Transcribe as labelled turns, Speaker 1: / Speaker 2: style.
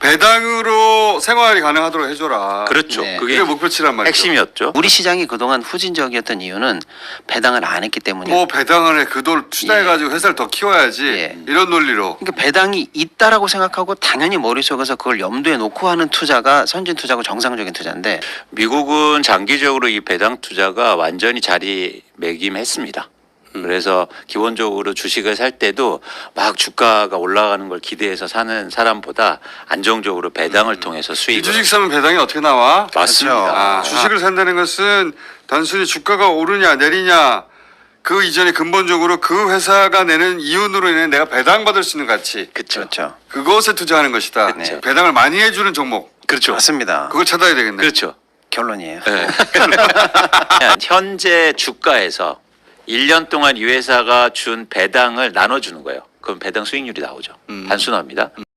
Speaker 1: 배당으로 생활이 가능하도록 해줘라.
Speaker 2: 그렇죠.
Speaker 3: 네.
Speaker 2: 그게
Speaker 1: 그게 목표치란 말이죠.
Speaker 2: 핵심이었죠.
Speaker 3: 우리 시장이 그동안 후진적이었던 이유는 배당을 안 했기 때문이에요.
Speaker 1: 뭐 배당을 해 그 돈 투자해가지고 회사를 더 키워야지
Speaker 3: 예.
Speaker 1: 이런 논리로.
Speaker 3: 그러니까 배당이 있다라고 생각하고 당연히 머릿속에서 그걸 염두에 놓고 하는 투자가 선진 투자고 정상적인 투자인데
Speaker 2: 미국은 장기적으로 이 배당 투자가 완전히 자리매김했습니다. 그래서 기본적으로 주식을 살 때도 막 주가가 올라가는 걸 기대해서 사는 사람보다 안정적으로 배당을 통해서
Speaker 1: 이
Speaker 2: 수익을
Speaker 1: 주식 사면 배당이 어떻게 나와?
Speaker 2: 맞습니다.
Speaker 1: 아, 주식을 산다는 것은 단순히 주가가 오르냐 내리냐 그 이전에 근본적으로 그 회사가 내는 이윤으로 인해 내가 배당받을 수 있는 가치
Speaker 3: 그렇죠.
Speaker 1: 그것에 투자하는 것이다.
Speaker 3: 그렇죠.
Speaker 1: 배당을 많이 해주는 종목
Speaker 2: 그렇죠.
Speaker 3: 맞습니다.
Speaker 1: 그걸 찾아야 되겠네.
Speaker 2: 그렇죠.
Speaker 3: 결론이에요.
Speaker 2: 네. 현재 주가에서 1년 동안 이 회사가 준 배당을 나눠주는 거예요. 그럼 배당 수익률이 나오죠. 단순합니다.